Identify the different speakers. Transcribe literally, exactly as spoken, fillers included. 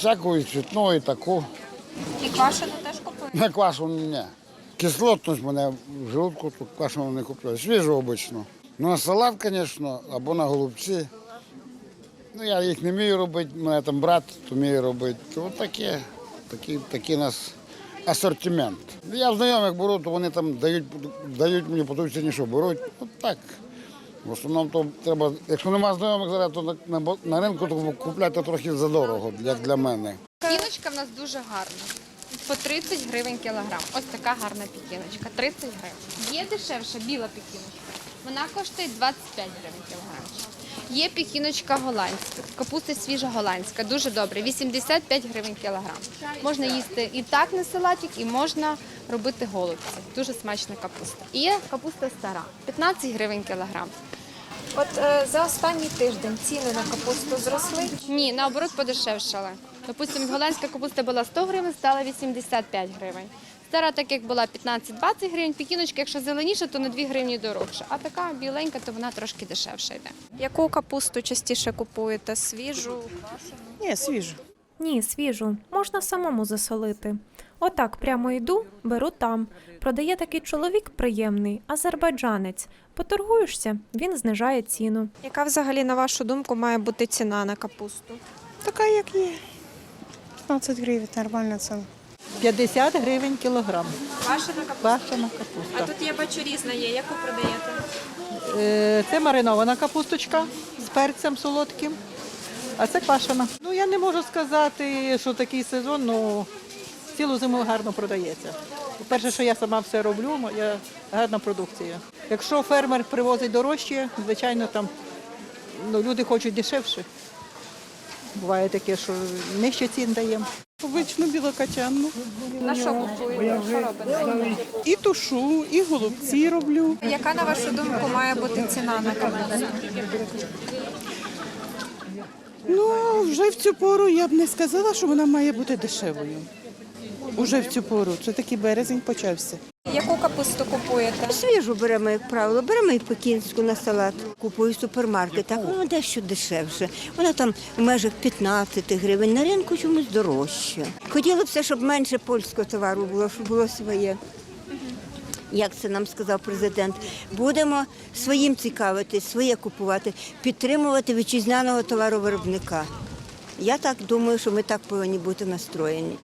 Speaker 1: всяку, і цвітну, і таку.
Speaker 2: І квашену теж купуєте?
Speaker 1: На квашену ні. Кислотність мене в желудку, тут квашену не купляю. Свіжу обично. Ну, на салат, звісно, або на голубці. Ну, я їх не вмію робити, у мене там брат вміє робити. Ось таке, такий, такий у нас асортимент. Я знайомих беру, то вони там дають, дають мені по той ціні, що беруть. От так. В основному то треба, якщо немає знайомих зараз, то на, на, на ринку то купляти трохи задорого, як для мене.
Speaker 2: Пікіночка в нас дуже гарна. По тридцять гривень кілограм. Ось така гарна пікіночка. тридцять гривень. Є дешевша біла пікіночка. Вона коштує двадцять п'ять гривень кілограм. Є пікіночка голландська, капуста свіжа голландська, дуже добре, вісімдесят п'ять гривень кілограм. Можна їсти і так на салатик, і можна робити голубці. Дуже смачна капуста. І є капуста стара, п'ятнадцять гривень кілограм.
Speaker 3: От е, за останній тиждень ціни на капусту зросли.
Speaker 2: Ні, наоборот, подешевшала. Допустимо, голландська капуста була сто гривень, стала вісімдесят п'ять гривень. Стара, так як була п'ятнадцять-двадцять гривень, пікіночка, якщо зеленіша, то на дві гривні дорожча. А така біленька, то вона трошки дешевша йде.
Speaker 3: Яку капусту частіше купуєте? Свіжу?
Speaker 4: Ні, свіжу.
Speaker 5: Ні, свіжу. Можна самому засолити. Отак прямо йду, беру там. Продає такий чоловік приємний, азербайджанець. Поторгуєшся, він знижає ціну.
Speaker 3: Яка взагалі, на вашу думку, має бути ціна на капусту?
Speaker 4: Така, як є. п'ятнадцять гривень, нормальна ціна. п'ятдесят гривень кілограм.
Speaker 3: Квашена капуста.
Speaker 4: Квашена
Speaker 3: А
Speaker 4: капуста.
Speaker 3: тут я бачу різна є. Яку продаєте?
Speaker 4: Е, Це маринована капусточка з перцем солодким, а це квашена. Ну, я не можу сказати, що такий сезон, ну, цілу зиму гарно продається. Перше, що я сама все роблю, моя гарна продукція. Якщо фермер привозить дорожче, звичайно, там ну, люди хочуть дешевше. Буває таке, що нижче цін даємо.
Speaker 6: Обичну білокачанну.
Speaker 3: На що купуєте? Що робите?
Speaker 6: І тушу, і голубці роблю.
Speaker 3: Яка, на вашу думку, має бути ціна на капусту?
Speaker 6: Ну, вже в цю пору я б не сказала, що вона має бути дешевою. Уже в цю пору. Це такий березень почався.
Speaker 3: Яку капусту купуєте?
Speaker 7: Свіжу беремо, як правило, беремо і пекінську на салат. Купую в супермаркетах, вона дещо дешевше. Вона там в межах п'ятнадцять гривень, на ринку чомусь дорожче. Хотіли б все, щоб менше польського товару було, щоб було своє. Як це нам сказав президент, будемо своїм цікавитись, своє купувати, підтримувати вітчизняного товаровиробника. Я так думаю, що ми так повинні бути настроєні.